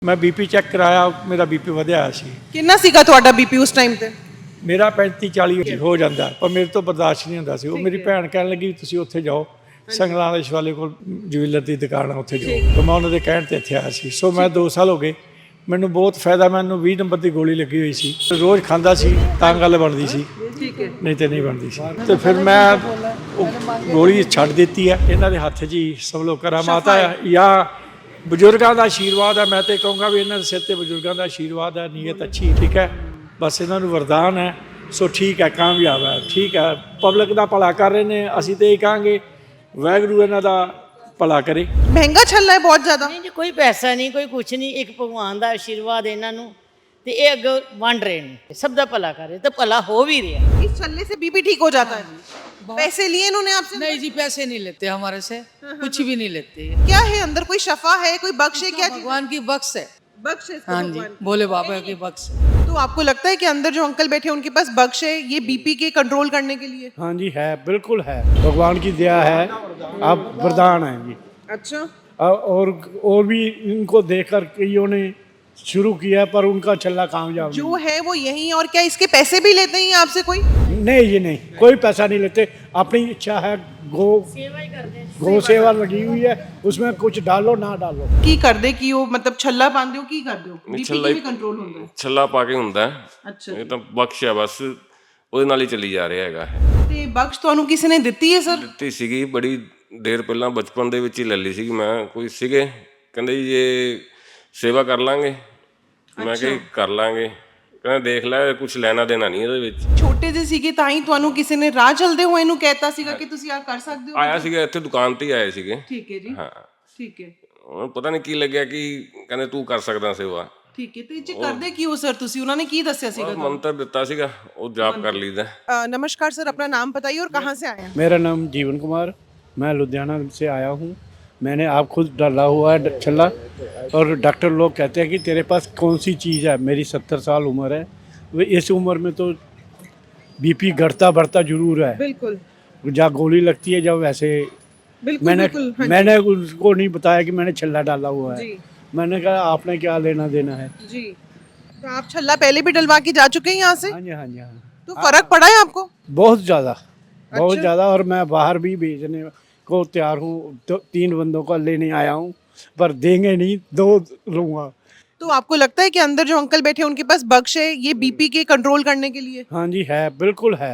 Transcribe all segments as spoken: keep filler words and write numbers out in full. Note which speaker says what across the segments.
Speaker 1: मैं BP check कराया, मेरा बीपी ਵਧਿਆ ਸੀ।
Speaker 2: ਕਿੰਨਾ ਸੀਗਾ ਤੁਹਾਡਾ ਬੀਪੀ ਉਸ ਟਾਈਮ ਤੇ?
Speaker 1: ਮੇਰਾ ਪੈਂਤੀ ਚਾਲੀ ਹੋ ਜਾਂਦਾ, ਪਰ ਮੇਰੇ ਤੋਂ ਬਰਦਾਸ਼ਤ ਨਹੀਂ ਹੁੰਦਾ ਸੀ। ਉਹ ਮੇਰੀ ਭੈਣ ਕਹਿਣ ਲੱਗੀ ਤੁਸੀਂ ਉੱਥੇ ਜਾਓ, ਸੰਗਲਾਂ ਦੇ ਸ਼ਵਾਲੇ ਕੋਲ ਜੁਐਲਰ ਦੀ ਦੁਕਾਨ ਆ, ਉੱਥੇ ਜਾਓ। ਤਾਂ ਮੈਂ ਉਹਨਾਂ ਦੇ ਕਹਿਣ ਤੇ ਇੱਥੇ ਆਇਆ ਸੀ। ਸੋ ਮੈਂ ਦੋ ਸਾਲ ਹੋ ਗਏ, ਮੈਨੂੰ ਬਹੁਤ ਫਾਇਦਾ। ਮੈਨੂੰ ਵੀਹ ਨੰਬਰ ਦੀ ਗੋਲੀ ਲੱਗੀ ਹੋਈ ਸੀ, ਰੋਜ਼ ਖਾਂਦਾ ਸੀ ਤਾਂ ਗੱਲ ਬਣਦੀ ਸੀ, ਨਹੀਂ ਤੇ ਨਹੀਂ ਬਣਦੀ ਸੀ। ਤੇ ਫਿਰ ਮੈਂ ਉਹ ਗੋਲੀ ਛੱਡ ਦਿੱਤੀ ਹੈ। ਇਹਨਾਂ ਦੇ ਹੱਥ 'ਚ ਹੀ ਸਭ ਲੋਕ ਕਰਾਮਾਤ ਆ ਜਾਂ ਬਜ਼ੁਰਗਾਂ ਦਾ ਆਸ਼ੀਰਵਾਦ ਹੈ। ਮੈਂ ਤੇ ਕਹੂੰਗਾ ਵੀ ਇਹਨਾਂ ਦੇ ਸਿਰ ਤੇ ਬਜ਼ੁਰਗਾਂ ਦਾ ਆਸ਼ੀਰਵਾਦ ਹੈ, ਨੀਅਤ ਅੱਛੀ, ਠੀਕ ਹੈ। ਬਸ ਇਹਨਾਂ ਨੂੰ ਵਰਦਾਨ ਹੈ। ਸੋ ਠੀਕ ਹੈ, ਕਾਮਯਾਬ ਹੈ, ਠੀਕ ਹੈ। ਪਬਲਿਕ ਦਾ ਭਲਾ ਕਰ ਰਹੇ ਨੇ, ਅਸੀਂ ਤੇ ਇਹ ਕਹਾਂਗੇ ਵਾਹਿਗੁਰੂ ਇਹਨਾਂ ਦਾ ਭਲਾ ਕਰੇ।
Speaker 2: ਮਹਿੰਗਾ ਛੱਲਾ ਹੈ ਬਹੁਤ ਜ਼ਿਆਦਾ।
Speaker 3: ਨਹੀਂ ਜੀ, ਕੋਈ ਪੈਸਾ ਨਹੀਂ, ਕੋਈ ਕੁਛ ਨਹੀਂ, ਇੱਕ ਭਗਵਾਨ ਦਾ ਆਸ਼ੀਰਵਾਦ ਇਹਨਾਂ ਨੂੰ ਤੇ ਇਹ ਅੱਗੇ ਵੰਡ ਰਹੇ ਨੇ, ਸਭ ਦਾ ਭਲਾ ਕਰ ਰਹੇ ਤੇ ਭਲਾ ਹੋ भी रहा।
Speaker 2: इस छल्ले से बीपी ठीक हो जाता है? पैसे लिए इन्होंने आपसे?
Speaker 4: नहीं जी, पैसे नहीं लेते हमारे से, कुछ भी नहीं लेते।
Speaker 2: क्या है अंदर? कोई शफा है, कोई बख्श है? क्या चीज़?
Speaker 4: भगवान की बख्श है।
Speaker 2: बख्श है इसको
Speaker 4: हाँ जी,
Speaker 2: भगवान।
Speaker 4: भोले बाबा की बख्श है।
Speaker 2: तो आपको लगता है कि अंदर जो अंकल बैठे हैं उनके पास बख्श है ये बीपी के कंट्रोल करने के लिए?
Speaker 1: हाँ जी, है, बिल्कुल है। भगवान की दया है, आप वरदान हैं जी।
Speaker 2: अच्छा।
Speaker 1: और और भी इनको देखकर कईयों ने शुरू किया, पर उनका छल्ला कामयाब
Speaker 2: जो है वो यही है। और क्या इसके पैसे भी लेते हैं आपसे कोई?
Speaker 1: नहीं जी, नहीं, कोई पैसा नहीं लेते। अपनी इच्छा है, गो
Speaker 3: सेवा ही करते हैं।
Speaker 1: गो सेवा लगी हुई है, उसमें कुछ डालो ना डालो।
Speaker 2: की कर दे कि वो मतलब छल्ला पाते हो की कर दो बीपी
Speaker 5: छल्ला
Speaker 2: की भी कंट्रोल होता है?
Speaker 5: ਛੱਲਾ ਪਾ ਕੇ ਹੁੰਦਾ ਹੈ।
Speaker 2: अच्छा।
Speaker 5: ਇਹ ਤਾਂ ਬਖਸ਼ ਹੈ, ਬਸ ਉਹਦੇ ਨਾਲ ਹੀ ਚੱਲੀ ਜਾ ਰਿਹਾ ਹੈਗਾ।
Speaker 2: ਤੇ ਬਖਸ਼ ਤੁਹਾਨੂੰ ਕਿਸੇ ਨੇ ਦਿੱਤੀ ਹੈ ਸਰ?
Speaker 5: ਦਿੱਤੀ ਸੀਗੀ ਬੜੀ ਦੇਰ ਪਹਿਲਾਂ, ਬਚਪਨ ਦੇ ਵਿੱਚ ਹੀ ਲੈ ਲਈ ਸੀਗੀ ਮੈਂ। ਕੋਈ ਸੀਗੇ ਕਹਿੰਦੇ ਜੀ ਇਹ ਸੇਵਾ ਕਰ ਲਾਂਗੇ, ਮੈਂ ਕਿਹਾ ਕਰ ਲਾਂਗੇ। ਕਹਿੰਦਾ ਦੇਖ ਲੈ, ਕੁਝ ਲੈਣਾ ਦੇਣਾ ਨਹੀਂ ਇਹਦੇ ਵਿੱਚ।
Speaker 2: ਛੋਟੇ ਜਿਹੇ ਸੀਗੇ ਤਾਂ ਹੀ ਤੁਹਾਨੂੰ ਕਿਸੇ ਨੇ ਰਾਹ ਚਲਦੇ ਹੋਏ ਨੂੰ ਕਹਿਤਾ ਸੀਗਾ ਕਿ ਤੁਸੀਂ ਆ ਕਰ ਸਕਦੇ ਹੋ?
Speaker 5: ਆਇਆ ਸੀਗਾ ਇੱਥੇ ਦੁਕਾਨ ਤੇ ਹੀ ਆਏ ਸੀਗੇ।
Speaker 2: ਠੀਕ ਹੈ ਜੀ।
Speaker 5: ਹਾਂ,
Speaker 2: ਠੀਕ ਹੈ।
Speaker 5: ਉਹਨੂੰ ਪਤਾ ਨਹੀਂ ਕੀ ਲੱਗਿਆ ਕਿ ਕਹਿੰਦੇ ਤੂੰ ਕਰ ਸਕਦਾ ਸੇਵਾ।
Speaker 2: ਠੀਕ ਹੈ। ਤੇ ਇਹ 'ਚ ਕਰਦੇ ਕੀ ਹੋ ਸਰ ਤੁਸੀਂ? ਉਹਨਾਂ ਨੇ ਕੀ ਦੱਸਿਆ ਸੀਗਾ?
Speaker 5: ਮੰਤਰ ਦਿੱਤਾ ਸੀਗਾ, ਉਹ ਜਾਪ ਕਰ ਲਈਦਾ।
Speaker 2: अ, नमस्कार सर, अपना नाम बताइए और कहाँ से आए हैं?
Speaker 1: मेरा नाम जीवन कुमार, मैं लुधियाना से आया हूँ। मैंने आप खुद डाला हुआ है छल्ला, और डॉक्टर लोग कहते हैं कि तेरे पास कौन सी चीज़ है। मेरी सत्तर साल उम्र है, वो इस उम्र में तो बीपी घटता बढ़ता जरूर है।
Speaker 2: बिल्कुल
Speaker 1: जहाँ गोली लगती है जब वैसे
Speaker 2: बिल्कुल
Speaker 1: मैंने
Speaker 2: बिल्कुल, हाँ जी।
Speaker 1: मैंने उसको नहीं बताया कि मैंने छल्ला डाला हुआ है।
Speaker 2: जी
Speaker 1: मैंने कहा आपने क्या लेना देना है।
Speaker 2: जी। तो आप छल्ला पहले भी डलवा के जा चुके हैं यहाँ से?
Speaker 1: हाँ जी, हाँ जी, हाँ।
Speaker 2: तो फर्क पड़ा है आपको?
Speaker 1: बहुत ज़्यादा, बहुत
Speaker 2: अच्छा।
Speaker 1: ज़्यादा। और मैं बाहर भी भेजने को तैयार हूँ, तो तीन बंदों को लेने आया हूँ, पर देंगे नहीं, दो लूँगा।
Speaker 2: तो आपको लगता है कि अंदर जो अंकल बैठे हैं उनके पास बख्श है ये बीपी के कंट्रोल करने के लिए?
Speaker 1: हाँ जी, है, बिल्कुल है।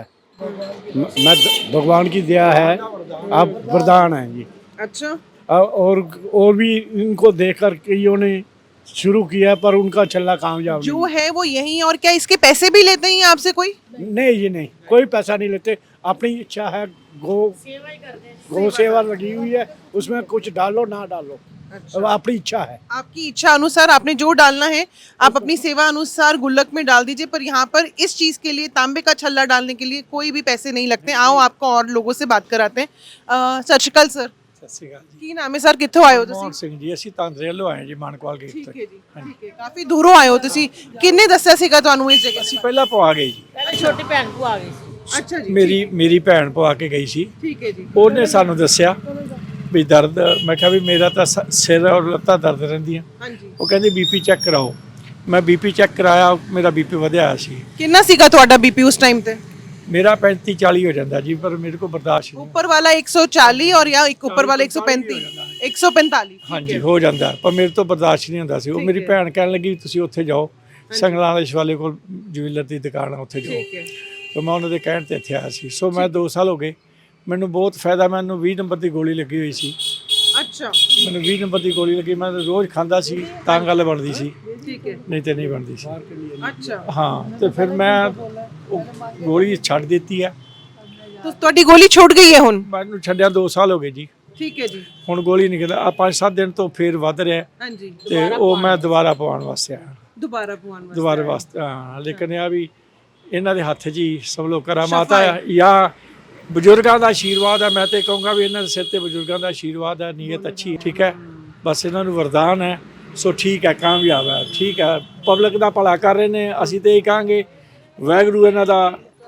Speaker 1: म- मैं भगवान की दया है, आप वरदान हैं जी।
Speaker 2: अच्छा।
Speaker 1: और और भी इनको देखकर कईयों ने शुरू किया, पर उनका छल्ला कामयाब
Speaker 2: जो है वो यही है। और क्या इसके पैसे भी लेते हैं आपसे कोई?
Speaker 1: नहीं। नहीं जी, नहीं, कोई पैसा नहीं लेते। अपनी इच्छा है, गो
Speaker 3: सेवा ही करते हैं।
Speaker 1: गो सेवा लगी हुई है, उसमें कुछ डालो ना डालो,
Speaker 2: अच्छा।
Speaker 1: अब अपनी इच्छा है।
Speaker 2: आपकी इच्छा अनुसार आपने जो डालना है आप अपनी सेवा अनुसार गुल्लक में डाल दीजिए। पर यहाँ पर इस चीज़ के लिए, तांबे का छल्ला डालने के लिए कोई भी पैसे नहीं लगते। आओ आपको और लोगों से बात कराते हैं। अ, सत श्री अकाल सर,
Speaker 1: सत श्री अकाल जी।
Speaker 2: ਕੀ ਨਾਮ ਹੈ ਸਰ? ਕਿੱਥੋਂ ਆਏ ਹੋ
Speaker 1: ਮੋਹਨ
Speaker 2: ਤੁਸੀਂ?
Speaker 1: ਸਿੰਘ ਜੀ, ਅਸੀਂ ਤਾਂਦਰੇ ਵੱਲੋਂ ਆਏ ਜੀ, ਮਾਨਕਵਾਲ ਗੇਟ
Speaker 2: ਠੀਕ
Speaker 1: ਤੋਂ।
Speaker 2: ਹੈ ਜੀ, ਠੀਕ ਹੈ। ਕਾਫੀ ਦੂਰੋਂ ਆਏ ਹੋ ਤੁਸੀਂ। ਕਿੰਨੇ ਦੱਸਿਆ ਸੀਗਾ ਤੁਹਾਨੂੰ ਇਸ ਜਗ੍ਹਾ?
Speaker 1: ਅਸੀਂ ਪਹਿਲਾਂ ਪਵਾ ਗਏ ਜੀ।
Speaker 3: ਪਹਿਲੇ ਛੋਟੀ ਭੈਣ ਕੋ ਆ ਗਈ ਸੀ।
Speaker 2: ਅੱਛਾ ਜੀ।
Speaker 1: ਮੇਰੀ ਮੇਰੀ ਭੈਣ ਪਵਾ ਕੇ ਗਈ ਸੀ।
Speaker 2: ਠੀਕ ਹੈ ਜੀ।
Speaker 1: ਉਹਨੇ ਸਾਨੂੰ ਦੱਸਿਆ ਵੀ ਦਰਦ, ਮੈਂ ਕਿਹਾ ਵੀ ਮੇਰਾ ਤਾਂ ਸ- ਸਿਰ ਔਰ ਲੱਤਾਂ ਦਰਦ ਰਹਿੰਦੀਆਂ।
Speaker 2: ਹਾਂਜੀ।
Speaker 1: ਉਹ ਕਹਿੰਦੇ ਬੀਪੀ ਚੈੱਕ ਕਰਾਓ। ਮੈਂ ਬੀਪੀ ਚੈੱਕ ਕਰਾਇਆ, ਮੇਰਾ ਬੀਪੀ ਵਧਿਆ ਸੀ।
Speaker 2: ਕਿੰਨਾ ਸੀਗਾ ਤੁਹਾਡਾ ਬੀਪੀ ਉਸ ਟਾਈਮ ਤੇ?
Speaker 1: ਮੇਰਾ ਪੈਂਤੀ ਚਾਲੀ ਹੋ ਜਾਂਦਾ ਜੀ, ਪਰ ਮੇਰੇ ਕੋਲ ਬਰਦਾਸ਼ਤ ਨਹੀਂ।
Speaker 2: ऊपर वाला एक सौ चालीस और या एक ऊपर वाला एक सौ पैंतीस, एक सौ पैंतालीस।
Speaker 1: ਹਾਂਜੀ, ਹੋ ਜਾਂਦਾ, ਪਰ ਮੇਰੇ ਤੋਂ ਬਰਦਾਸ਼ਤ ਨਹੀਂ ਹੁੰਦਾ ਸੀ। ਉਹ ਮੇਰੀ ਭੈਣ ਕਹਿਣ ਲੱਗੀ ਤੁਸੀਂ ਉੱਥੇ ਜਾਓ, ਸੰਗਲਾਂ ਦੇ ਸ਼ਵਾਲੇ ਕੋਲ ਜੁਐਲਰ ਦੀ ਦੁਕਾਨ ਆ, ਉੱਥੇ ਜਾਓ। ਤਾਂ ਮੈਂ ਉਹਨਾਂ ਦੇ ਕਹਿਣ ਤੇ ਇੱਥੇ ਆਇਆ ਸੀ। ਸੋ ਮੈਂ ਦੋ ਸਾਲ ਹੋ ਗਏ, ਮੈਨੂੰ ਬਹੁਤ ਫਾਇਦਾ। ਮੈਨੂੰ ਵੀਹ ਨੰਬਰ ਦੀ ਗੋਲੀ ਲੱਗੀ ਹੋਈ ਸੀ।
Speaker 2: अच्छा।
Speaker 1: ਮੈਨੂੰ ਵੀਹ ਨੰਬਰ ਦੀ ਗੋਲੀ ਲੱਗੀ, ਮੈਂ ਰੋਜ਼ ਖਾਂਦਾ ਸੀ ਤਾਂ ਗੱਲ ਬਣਦੀ ਸੀ,
Speaker 2: ठीक है।
Speaker 1: ਨਹੀਂ ਤੇ ਨਹੀਂ ਬਣਦੀ ਸੀ।
Speaker 2: अच्छा।
Speaker 1: ਹਾਂ, ਤੇ ਫਿਰ ਮੈਂ ਉਹ ਗੋਲੀ ਛੱਡ ਦਿੱਤੀ ਹੈ।
Speaker 2: तो ਤੁਹਾਡੀ ਗੋਲੀ ਛੁੱਟ ਗਈ ਹੈ ਹੁਣ?
Speaker 1: ਮੈਨੂੰ ਛੱਡਿਆ ਦੋ ਸਾਲ ਹੋ ਗਏ ਜੀ।
Speaker 2: ਠੀਕ ਹੈ ਜੀ।
Speaker 1: ਹੁਣ ਗੋਲੀ ਨਹੀਂ ਕਹਿੰਦਾ, ਆ ਪੰਜ ਸੱਤ ਦਿਨ ਤੋਂ ਫਿਰ ਵੱਧ ਰਿਹਾ,
Speaker 2: ਹਾਂਜੀ।
Speaker 1: ਤੇ ਉਹ ਮੈਂ ਦੁਬਾਰਾ ਪਵਾਉਣ ਵਾਸਤੇ ਆਇਆ।
Speaker 2: ਦੁਬਾਰਾ ਪਵਾਉਣ ਵਾਸਤੇ?
Speaker 1: ਦੁਬਾਰਾ ਵਾਸਤੇ, ਹਾਂ। ਲੇਕਿਨ ਇਹ ਆ ਵੀ ਇਹਨਾਂ ਦੇ ਹੱਥ 'ਚ ਹੀ ਸਭ ਲੋਕ ਕਰਾਮਾਤ ਆ ਜਾਂ ਬਜ਼ੁਰਗਾਂ ਦਾ ਆਸ਼ੀਰਵਾਦ ਹੈ। ਮੈਂ ਤੇ ਕਹੂੰਗਾ ਵੀ ਇਹਨਾਂ ਦੇ ਸਿਰ ਤੇ ਬਜ਼ੁਰਗਾਂ ਦਾ ਆਸ਼ੀਰਵਾਦ ਹੈ, ਨੀਅਤ ਅੱਛੀ, ਠੀਕ ਹੈ। ਬਸ ਇਹਨਾਂ ਨੂੰ ਵਰਦਾਨ ਹੈ। ਸੋ ਠੀਕ ਹੈ, ਕਾਮਯਾਬ ਹੈ, ਠੀਕ ਹੈ। ਪਬਲਿਕ ਦਾ ਭਲਾ ਕਰ ਰਹੇ ਨੇ, ਅਸੀਂ ਤੇ ਇਹ ਕਹਾਂਗੇ ਵਾਹਿਗੁਰੂ ਇਹਨਾਂ ਦਾ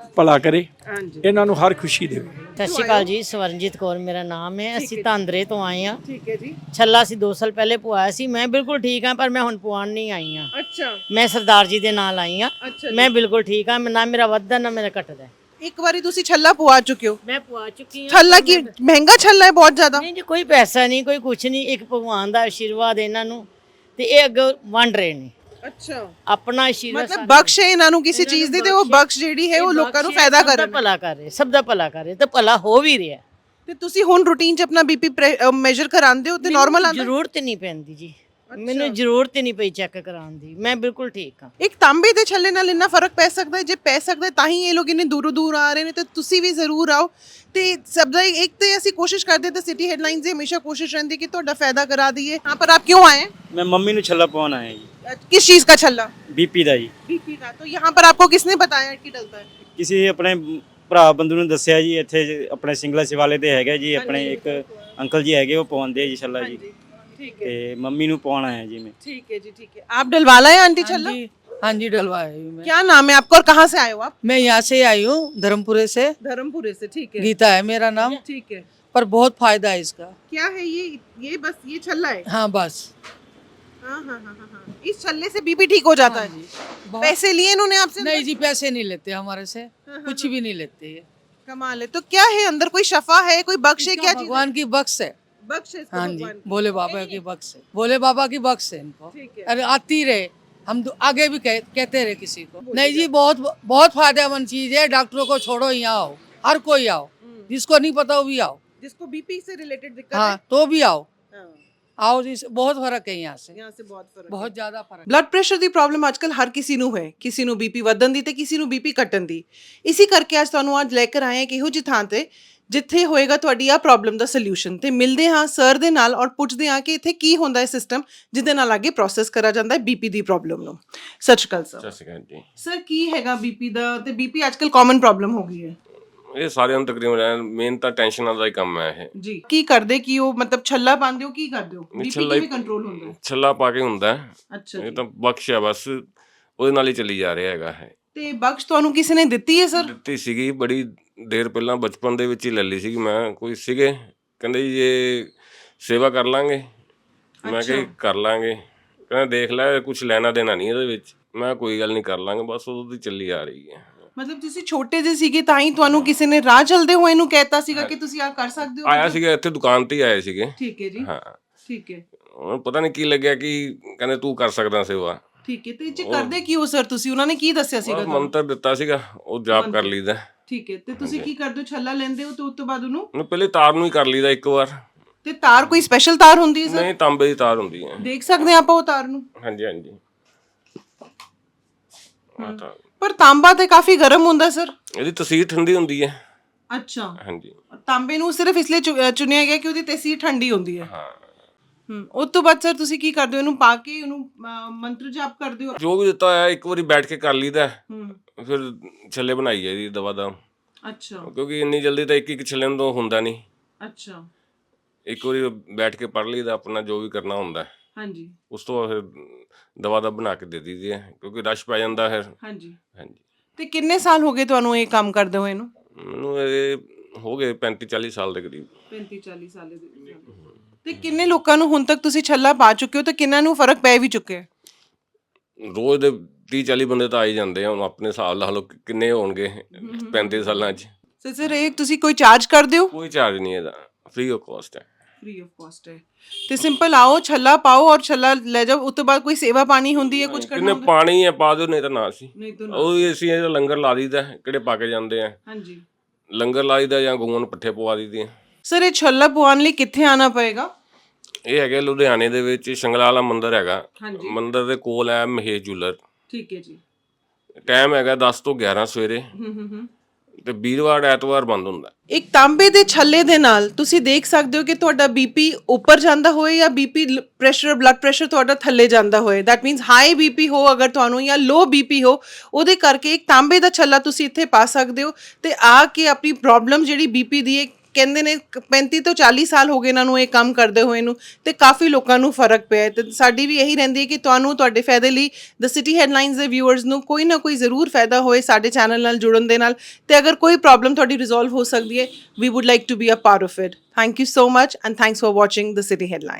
Speaker 1: ਭਲਾ ਕਰੇ,
Speaker 2: ਹਾਂਜੀ
Speaker 1: ਇਹਨਾਂ ਨੂੰ ਹਰ ਖੁਸ਼ੀ ਦੇਵੇ।
Speaker 3: ਸਤਿ ਸ਼੍ਰੀ ਅਕਾਲ ਜੀ, ਸਵਰਨਜੀਤ ਕੌਰ ਮੇਰਾ ਨਾਮ ਹੈ। ਅਸੀਂ ਤਾਂਦਰੇ ਤੋਂ ਆਏ ਹਾਂ।
Speaker 2: ਠੀਕ ਹੈ ਜੀ।
Speaker 3: ਛੱਲਾ ਅਸੀਂ ਦੋ ਸਾਲ ਪਹਿਲੇ ਪਵਾਇਆ ਸੀ। ਮੈਂ ਬਿਲਕੁਲ ਠੀਕ ਹਾਂ, ਪਰ ਮੈਂ ਹੁਣ ਪਵਾਉਣ ਨਹੀਂ ਆਈ ਹਾਂ।
Speaker 2: ਅੱਛਾ
Speaker 3: ਮੈਂ ਸਰਦਾਰ ਜੀ ਦੇ ਨਾਲ ਆਈ ਹਾਂ।
Speaker 2: ਅੱਛਾ
Speaker 3: ਮੈਂ ਬਿਲਕੁਲ ਠੀਕ ਹਾਂ, ਨਾ ਮੇਰਾ ਵੱਧਦਾ ਨਾ ਮੇਰਾ ਘਟਦਾ।
Speaker 2: ਇੱਕ ਵਾਰੀ ਤੁਸੀਂ ਛੱਲਾ ਪਵਾ ਚੁੱਕੇ ਹੋ।
Speaker 3: ਮੈਂ ਪਵਾ ਚੁੱਕੀ ਹਾਂ।
Speaker 2: ਛੱਲਾ ਕੀ ਮਹਿੰਗਾ ਛੱਲਾ ਹੈ ਬਹੁਤ ਜ਼ਿਆਦਾ।
Speaker 3: ਨਹੀਂ ਜੀ, ਕੋਈ ਪੈਸਾ ਨਹੀਂ, ਕੋਈ ਕੁਛ ਨਹੀਂ। ਇੱਕ ਭਗਵਾਨ ਦਾ ਆਸ਼ੀਰਵਾਦ ਇਹਨਾਂ ਨੂੰ, ਤੇ ਇਹ ਅੱਗੇ ਵੰਡ ਰਹੇ ਨੇ
Speaker 2: ਅੱਛਾ
Speaker 3: ਆਪਣਾ ਆਸ਼ੀਰਵਾਦ।
Speaker 2: ਮਤਲਬ ਬਖਸ਼ ਹੈ ਇਹਨਾਂ ਨੂੰ ਕਿਸੇ ਚੀਜ਼ ਦੀ, ਤੇ ਉਹ ਬਖਸ਼ ਜਿਹੜੀ ਹੈ ਉਹ ਲੋਕਾਂ ਨੂੰ ਫਾਇਦਾ ਕਰ
Speaker 3: ਸਭ ਦਾ ਭਲਾ ਕਰ ਰਹੇ, ਸਭ ਦਾ ਭਲਾ ਕਰ ਰਹੇ, ਤੇ ਭਲਾ ਹੋ ਵੀ ਰਿਹਾ।
Speaker 2: ਤੇ ਤੁਸੀਂ ਹੁਣ ਰੂਟੀਨ 'ਚ ਆਪਣਾ ਬੀਪੀ ਮੈਜ਼ਰ ਕਰਾਉਂਦੇ ਹੋ ਤੇ ਨਾਰਮਲ ਆਉਂਦਾ?
Speaker 3: ਜ਼ਰੂਰਤ ਨਹੀਂ ਪੈਂਦੀ ਜੀ, ਮੈਨੂੰ ਜ਼ਰੂਰਤ ਹੀ ਨਹੀਂ ਪਈ ਚੈੱਕ ਕਰਾਉਣ ਦੀ। ਮੈਂ ਬਿਲਕੁਲ ਠੀਕ ਹਾਂ।
Speaker 2: ਇੱਕ ਤਾਂਬੇ ਦੇ ਛੱਲੇ ਨਾਲ ਇੰਨਾ ਫਰਕ ਪੈ ਸਕਦਾ ਹੈ? ਜੇ ਪੈ ਸਕਦਾ ਹੈ ਤਾਂ ਹੀ ਇਹ ਲੋਕ ਇੰਨੇ ਦੂਰੋਂ ਦੂਰ ਆ ਰਹੇ ਨੇ, ਤੇ ਤੁਸੀਂ ਵੀ ਜ਼ਰੂਰ ਆਓ। ਤੇ ਸਭ ਦਾ ਇੱਕ ਤੇ ਅਸੀਂ ਕੋਸ਼ਿਸ਼ ਕਰਦੇ ਤਾਂ ਸਿਟੀ ਹੈਡਲਾਈਨਸ ਦੀ ਹमेशा ਕੋਸ਼ਿਸ਼ ਰਹਿੰਦੀ ਕਿ ਤੁਹਾਡਾ फायदा करा दिए। यहाँ पर आप क्यों आए हैं?
Speaker 6: मैं मम्मी ਨੂੰ ਛੱਲਾ ਪਵਾਉਣ ਆਇਆ ਜੀ।
Speaker 2: किस चीज का छल्ला?
Speaker 6: ਬੀਪੀ ਦਾ ਜੀ।
Speaker 2: बीपी का। तो यहाँ पर आपको किसने बताया कि डलता है?
Speaker 6: ਕਿਸੇ ਆਪਣੇ ਭਰਾ ਬੰਦੂ ਨੂੰ ਦੱਸਿਆ ਜੀ, ਇੱਥੇ ਆਪਣੇ ਸਿੰਗਲਾ ਸਿਵਾਲੇ ਤੇ ਹੈਗਾ ਜੀ, ਆਪਣੇ ਇੱਕ ਅੰਕਲ ਜੀ ਹੈਗੇ, ਉਹ ਪਵਾਉਂਦੇ ਆ ਜੀ ਛੱਲਾ ਜੀ।
Speaker 2: ठीक है
Speaker 6: ਤੇ ਮੰਮੀ ਨੂੰ ਪਵਾਉਣ ਆਇਆ ਜੀ ਮੈਂ।
Speaker 2: ठीक है जी ठीक है। आप डलवाला है आंटी छल्ला?
Speaker 4: जी हाँ जी डलवाई हूँ मैं।
Speaker 2: क्या नाम है आपका और कहाँ से आए हो आप?
Speaker 4: मैं यहाँ से आई हूँ धर्मपुरे से।
Speaker 2: धर्मपुरे से। ठीक है
Speaker 4: गीता है मेरा नाम।
Speaker 2: ठीक है।
Speaker 4: पर बहुत फायदा है इसका।
Speaker 2: क्या है ये? ये बस ये छल्ला है?
Speaker 4: हाँ बस।
Speaker 2: हाँ हाँ हाँ हाँ हाँ। इस छल्ले से बीपी ठीक हो जाता है?
Speaker 4: बहुत-
Speaker 2: पैसे लिए इन्होंने आपसे?
Speaker 4: नहीं जी पैसे नहीं लेते हमारे से, कुछ भी नहीं लेते ये।
Speaker 2: कमाल है। तो क्या है अंदर? कोई शफा है, कोई बख्श है, क्या चीज है?
Speaker 4: भगवान की बख्श है।
Speaker 2: बख्श है इसका
Speaker 4: हाँ जी
Speaker 2: भगवान की।
Speaker 4: भोले बाबा की बख्श है, भोले बाबा की बख्श है इनको।
Speaker 2: ठीक है।
Speaker 4: अरे आती रहे, हम तो आगे भी कह, कहते रहे किसी को। नहीं जी बहुत बहुत फायदेमंद चीज है। डॉक्टरों को छोड़ो, यहाँ आओ, हर कोई आओ, जिसको नहीं पता वो भी आओ।
Speaker 2: जिसको बीपी से रिलेटेड दिक्कत
Speaker 4: हाँ
Speaker 2: है?
Speaker 4: तो भी आओ,
Speaker 2: हाँ,
Speaker 4: आओ जी। बहुत फर्क है यहाँ से,
Speaker 2: यहाँ से बहुत फर्क।
Speaker 4: बहुत ज्यादा फर्क।
Speaker 2: ਬਲੱਡ ਪ੍ਰੈਸ਼ਰ ਦੀ ਪ੍ਰੋਬਲਮ ਅੱਜਕੱਲ ਹਰ ਕਿਸੇ ਨੂੰ ਹੈ। ਕਿਸੇ ਨੂੰ ਬੀਪੀ ਵਧਣ ਦੀ ਤੇ ਕਿਸੇ ਨੂੰ ਬੀਪੀ ਘਟਣ ਦੀ। ਇਸੇ ਕਰਕੇ ਅੱਜ ਤੁਹਾਨੂੰ ਅੱਜ ਲੈ ਕੇ ਆਏ ਹਾਂ ਕਿ ਇਹੋ ਜਿਹੀ ਥਾਂ ਤੇ ਜਿੱਥੇ ਹੋਏਗਾ ਤੁਹਾਡੀ ਆ ਪ੍ਰੋਬਲਮ ਦਾ ਸੋਲੂਸ਼ਨ। ਤੇ ਮਿਲਦੇ ਹਾਂ ਸਰ ਦੇ ਨਾਲ ਔਰ ਪੁੱਛਦੇ ਹਾਂ ਕਿ ਇੱਥੇ ਕੀ ਹੁੰਦਾ ਹੈ ਸਿਸਟਮ ਜਿਹਦੇ ਨਾਲ ਅੱਗੇ ਪ੍ਰੋਸੈਸ ਕਰਾ ਜਾਂਦਾ ਹੈ ਬੀਪੀ ਦੀ ਪ੍ਰੋਬਲਮ ਨੂੰ। ਸਤਿ ਸ਼੍ਰੀ ਅਕਾਲ ਸਰ।
Speaker 5: ਸਤਿ ਸ਼੍ਰੀ ਅਕਾਲ ਜੀ।
Speaker 2: ਸਰ ਕੀ ਹੈਗਾ ਬੀਪੀ ਦਾ? ਤੇ ਬੀਪੀ ਅੱਜਕੱਲ ਕਾਮਨ ਪ੍ਰੋਬਲਮ ਹੋ ਗਈ ਹੈ
Speaker 5: ਇਹ ਸਾਰਿਆਂ ਨੂੰ ਤਕਰੀਬਨ ਮੇਨ ਤਾਂ ਟੈਨਸ਼ਨਾਂ ਦਾ ਹੀ ਕੰਮ ਹੈ ਇਹ।
Speaker 2: ਜੀ। ਕੀ ਕਰਦੇ ਕੀ ਉਹ ਮਤਲਬ ਛੱਲਾ ਪਾਉਂਦੇ ਹੋ, ਕੀ ਕਰਦੇ ਹੋ? ਬੀਪੀ
Speaker 5: ਛੱਲਾ ਹੀ-
Speaker 2: ਕਿਵੇਂ ਕੰਟਰੋਲ ਹੁੰਦਾ ਹੈ?
Speaker 5: ਛੱਲਾ ਪਾ ਕੇ ਹੁੰਦਾ ਹੈ।
Speaker 2: ਅੱਛਾ
Speaker 5: ਇਹ
Speaker 2: ਜੀ।
Speaker 5: ਤਾਂ ਬਖਸ਼ ਹੈ ਬਸ, ਉਹਦੇ ਨਾਲ ਹੀ ਚੱਲੀ ਜਾ ਰਿਹਾ ਹੈਗਾ ਹੈ।
Speaker 2: ਤੇ ਬਖਸ਼ ਤੁਹਾਨੂੰ ਕਿਸੇ ਨੇ ਦਿੱਤੀ ਹੈ ਸਰ?
Speaker 5: ਦਿੱਤੀ ਸੀਗੀ ਬੜੀ ਦੇਰ ਪਹਿਲਾਂ, ਬਚਪਨ ਦੇ ਵਿੱਚ ਹੀ ਲੈ ਲਈ ਸੀਗੀ ਮੈਂ। ਕੋਈ ਸੀਗੇ ਕਹਿੰਦੇ ਜੀ ਇਹ ਸੇਵਾ ਕਰ ਲਾਂਗੇ। ਮੈਂ ਕਿਹਾ ਜੀ ਕਰ ਲਾਂਗੇ। ਕਹਿੰਦੇ ਦੇਖ ਲੈ ਕੁਝ ਲੈਣਾ ਦੇਣਾ ਨਹੀਂ ਇਹਦੇ ਵਿੱਚ। ਮੈਂ ਕੋਈ ਗੱਲ ਨਹੀਂ ਕਰ ਲਾਂਗੇ, ਬਸ ਉਦੋਂ ਦੀ ਚੱਲੀ ਆ ਰਹੀ ਹੈ।
Speaker 2: ਮਤਲਬ ਤੁਸੀਂ ਛੋਟੇ ਜਿਹੇ ਸੀਗੇ ਤਾਂ ਹੀ ਤੁਹਾਨੂੰ ਕਿਸੇ ਨੇ ਰਾਹ ਚਲਦੇ ਹੋਏ ਨੂੰ ਕਹਿਤਾ ਸੀਗਾ ਕਿ ਤੁਸੀਂ ਆ ਕਰ ਸਕਦੇ ਹੋ?
Speaker 5: ਆਇਆ ਸੀਗਾ ਇੱਥੇ ਦੁਕਾਨ ਤੇ ਹੀ ਆਏ ਸੀਗੇ।
Speaker 2: ਠੀਕ ਹੈ ਜੀ।
Speaker 5: ਹਾਂ,
Speaker 2: ਠੀਕ ਹੈ
Speaker 5: ਉਹਨੂੰ ਪਤਾ ਨਹੀਂ ਕੀ ਲੱਗਿਆ ਕਿ ਕਹਿੰਦੇ ਤੂੰ ਕਰ ਸਕਦਾ ਸੇਵਾ।
Speaker 2: ਠੀਕ ਹੈ। ਤੇ ਜੇ ਕਰਦੇ ਕੀ ਹੋ ਸਰ ਤੁਸੀਂ? ਉਹਨਾਂ ਨੇ ਕੀ ਦੱਸਿਆ ਸੀਗਾ
Speaker 5: ਬਸ
Speaker 2: ਤੁਹਾਨੂੰ?
Speaker 5: ਮੰਤਰ ਦਿੱਤਾ ਸੀਗਾ, ਉਹ ਜਾਪ ਕਰ ਲਈਦਾ।
Speaker 2: ਠੀਕ ਹੈ। ਤੇ ਤੁਸੀਂ ਕੀ ਕਰਦੇ ਹੋ? ਛੱਲਾ ਲੈਂਦੇ ਹੋ ਤੇ ਉਸ ਤੋਂ ਬਾਅਦ ਉਹਨੂੰ
Speaker 5: ਉਹਨੂੰ ਪਹਿਲੇ ਤਾਰ ਨੂੰ ਹੀ ਕਰ ਲਈਦਾ ਇੱਕ ਵਾਰ।
Speaker 2: ਤੇ ਤਾਰ ਕੋਈ ਸਪੈਸ਼ਲ ਤਾਰ ਹੁੰਦੀ ਹੈ ਸਰ?
Speaker 5: ਨਹੀਂ, ਤਾਂਬੇ ਦੀ ਤਾਰ ਹੁੰਦੀ ਹੈ।
Speaker 2: ਦੇਖ ਸਕਦੇ ਹਾਂ ਆਪਾਂ ਉਹ ਤਾਰ ਨੂੰ?
Speaker 5: ਹਾਂਜੀ ਹਾਂਜੀ। ਆਹ ਤਾਰ।
Speaker 2: ਪਰ ਤਾਂਬਾ ਤੇ ਕਾਫੀ ਗਰਮ ਹੁੰਦਾ ਸਰ।
Speaker 5: ਇਹਦੀ ਤਸੀਰ ਠੰਡੀ ਹੁੰਦੀ ਹੈ।
Speaker 2: ਅੱਛਾ।
Speaker 5: ਹਾਂਜੀ
Speaker 2: ਤਾਂਬੇ ਨੂੰ ਸਿਰਫ ਇਸ ਲਈ ਚੁ- ਅ, ਚੁਣਿਆ ਗਿਆ ਕਿ ਉਹਦੀ ਤਸੀਰ ਠੰਡੀ ਹੁੰਦੀ ਹੈ।
Speaker 5: ਹਾਂ।
Speaker 2: ਹੂੰ। ਉਸ ਤੋਂ ਬਾਅਦ ਸਰ ਤੁਸੀਂ ਕੀ ਕਰਦੇ ਹੋ? ਇਹਨੂੰ ਪਾ ਕੇ ਉਹਨੂੰ ਅ, ਮੰਤਰ ਜਾਪ ਕਰਦੇ ਹੋ?
Speaker 5: ਜੋ ਵੀ ਦਿੱਤਾ ਹੋਇਆ ਇੱਕ ਵਾਰੀ ਬੈਠ ਕੇ ਕਰ ਲਈਦਾ,
Speaker 2: ਹੂੰ।
Speaker 5: ਫਿਰ ਛੱਲੇ ਬਣਾਈ ਹੈ ਇਹਦੀ ਦਵਾ ਦਾ।
Speaker 2: ਅੱਛਾ
Speaker 5: ਕਿਉਂਕਿ ਇੰਨੀ ਜਲਦੀ ਤਾਂ ਇੱਕ ਇੱਕ ਛੱਲੇ ਨੂੰ ਤਾਂ ਹੁੰਦਾ ਨਹੀਂ।
Speaker 2: ਅੱਛਾ।
Speaker 5: ਇੱਕ ਵਾਰੀ ਬੈਠ ਕੇ ਪੜ ਲਈਦਾ, ਆਪਣਾ ਜੋ ਵੀ ਕਰਨਾ ਹੁੰਦਾ।
Speaker 2: ਹਾਂਜੀ
Speaker 5: ਉਸ ਤੋਂ ਬਾਅਦ ਫਿਰ ਦਵਾ ਦਾ ਬਣਾ ਕੇ ਦੇ ਦਈਦੀ ਹੈ, ਕਿਉਂਕਿ ਰਸ਼ ਪੈ ਜਾਂਦਾ ਫਿਰ।
Speaker 2: ਹਾਂਜੀ।
Speaker 5: ਹਾਂਜੀ।
Speaker 2: ਤੇ ਕਿੰਨੇ ਸਾਲ ਹੋ ਗਏ ਤੁਹਾਨੂੰ ਇਹ ਕੰਮ ਕਰਦੇ ਹੋਏ ਨੂੰ?
Speaker 5: ਮੈਨੂੰ ਇਹ ਹੋ ਗਏ ਪੈਂਤੀ ਚਾਲੀ ਸਾਲ ਦੇ ਕਰੀਬ।
Speaker 2: ਪੈਂਤੀ ਚਾਲੀ ਸਾਲ ਦੇ ਵਿੱਚ। ਤੇ ਕਿੰਨੇ ਲੋਕਾਂ ਨੂੰ ਹੁਣ ਤੱਕ ਤੁਸੀਂ ਛੱਲਾ ਪਾ ਚੁੱਕੇ ਹੋ ਤੇ ਕਿੰਨਾਂ ਨੂੰ ਫਰਕ ਪੈ ਵੀ ਚੁੱਕਿਆ?
Speaker 5: ਰੋਜ਼ ਦੇ ਤੀਹ ਚਾਲੀ ਬੰਦੇ ਤਾਂ ਆ ਹੀ ਜਾਂਦੇ ਆ। ਹੁਣ ਆਪਣੇ ਹਿਸਾਬ ਲਾ ਲਓ ਕਿੰਨੇ ਹੋਣਗੇ ਪੈਂਤੀ ਸਾਲਾਂ 'ਚ।
Speaker 2: ਸਰ ਸਰ ਇਹ ਤੁਸੀਂ ਕੋਈ ਚਾਰਜ ਕਰਦੇ ਹੋ?
Speaker 5: ਕੋਈ ਚਾਰਜ ਨਹੀਂ ਇਹਦਾ, ਫ੍ਰੀ ਆਫ ਕਾਸਟ ਹੈ।
Speaker 2: ਫ੍ਰੀ ਆਫ ਕਾਸਟ ਹੈ। ਤੇ ਸਿੰਪਲ ਆਓ, ਛੱਲਾ ਪਾਓ ਔਰ ਛੱਲਾ ਲੈ ਜਾਓ। ਉਸ ਤੋਂ ਬਾਅਦ ਕੋਈ ਸੇਵਾ ਪਾਣੀ ਹੁੰਦੀ ਹੈ, ਕੁਝ ਕਰਨਾ
Speaker 5: ਕਿੰਨੇ
Speaker 2: ਹੁੰਦਾ?
Speaker 5: ਪਾਣੀ ਹੈ ਪਾ ਦਿਓ, ਨਹੀਂ ਤਾਂ ਨਾ ਸੀ।
Speaker 2: ਨਹੀਂ ਤਾਂ
Speaker 5: ਉਹ ਵੀ ਅਸੀਂ ਇਹਦਾ ਲੰਗਰ ਲਾ ਦਈਦਾ, ਕਿਹੜੇ ਪਾ ਕੇ ਜਾਂਦੇ ਆ।
Speaker 2: ਹਾਂਜੀ।
Speaker 5: ਲੰਗਰ ਲਾ ਦਈਦਾ ਜਾਂ ਗਊਆਂ ਨੂੰ ਪੱਠੇ ਪਵਾ ਦਈਦੇ ਆ।
Speaker 2: ਸਰ ਇਹ ਛੱਲਾ ਪਵਾਉਣ ਲਈ ਕਿੱਥੇ ਆਣਾ ਪਏਗਾ?
Speaker 5: ਇਹ ਹੈਗੇ ਲੁਧਿਆਣੇ ਦੇ ਵਿੱਚ ਸ਼ੰਗਲਾ ਵਾਲਾ ਮੰਦਿਰ ਹੈਗਾ।
Speaker 2: ਹਾਂਜੀ।
Speaker 5: ਮੰਦਿਰ ਦੇ ਕੋਲ ਹੈ ਮਹੇਸ਼ ਜੂਲਰ।
Speaker 2: ਠੀਕ ਹੈ ਜੀ।
Speaker 5: ਟਾਈਮ ਹੈਗਾ ਦਸ ਤੋਂ ਗਿਆਰਾਂ ਸਵੇਰੇ,
Speaker 2: ਹੂੰ ਹੂੰ ਹੂੰ।
Speaker 5: ਤੇ ਵੀਰਵਾਰ ਐਤਵਾਰ ਬੰਦ ਹੁੰਦਾ।
Speaker 2: ਇੱਕ ਤਾਂਬੇ ਦੇ ਛੱਲੇ ਦੇ ਨਾਲ ਤੁਸੀਂ ਦੇਖ ਸਕਦੇ ਹੋ ਕਿ ਤੁਹਾਡਾ ਬੀਪੀ ਉੱਪਰ ਜਾਂਦਾ ਹੋਏ ਜਾਂ ਬੀਪੀ ਪ੍ਰੈਸ਼ਰ ਬਲੱਡ ਪ੍ਰੈਸ਼ਰ ਤੁਹਾਡਾ ਥੱਲੇ ਜਾਂਦਾ ਹੋਏ। ਦੈਟ ਮੀਨਸ ਹਾਈ ਬੀਪੀ ਹੋ ਅਗਰ ਤੁਹਾਨੂੰ ਜਾਂ ਲੋ ਬੀਪੀ ਹੋ, ਉਹਦੇ ਕਰਕੇ ਇੱਕ ਤਾਂਬੇ ਦਾ ਛੱਲਾ ਤੁਸੀਂ ਇੱਥੇ ਪਾ ਸਕਦੇ ਹੋ ਤੇ ਆ ਕੇ ਆਪਣੀ ਪ੍ਰੋਬਲਮ ਜਿਹੜੀ ਬੀਪੀ ਦੀ ਹੈ ਕਹਿੰਦੇ ਨੇ ਪੈਂਤੀ ਤੋਂ ਚਾਲੀ ਸਾਲ ਹੋ ਗਏ ਇਹਨਾਂ ਨੂੰ ਇਹ ਕੰਮ ਕਰਦੇ ਹੋਏ ਨੂੰ, ਤੇ ਕਾਫੀ ਲੋਕਾਂ ਨੂੰ ਫਰਕ ਪਿਆ ਹੈ। ਤੇ ਸਾਡੀ ਵੀ ਇਹੀ ਰਹਿੰਦੀ ਹੈ ਕਿ ਤੁਹਾਨੂੰ ਤੁਹਾਡੇ ਫਾਇਦੇ ਲਈ ਦ ਸਿਟੀ ਹੈਡਲਾਈਨਸ ਦੇ ਵਿਊਅਰਸ ਨੂੰ ਕੋਈ ਨਾ ਕੋਈ ਜ਼ਰੂਰ ਫਾਇਦਾ ਹੋਏ ਸਾਡੇ ਚੈਨਲ ਨਾਲ ਜੁੜਨ ਦੇ ਨਾਲ, ਤੇ ਅਗਰ ਕੋਈ ਪ੍ਰੋਬਲਮ ਤੁਹਾਡੀ ਰਿਜ਼ੋਲਵ ਹੋ ਸਕਦੀ ਹੈ, we would like to be a part of it. Thank you so much and thanks for watching the city headline.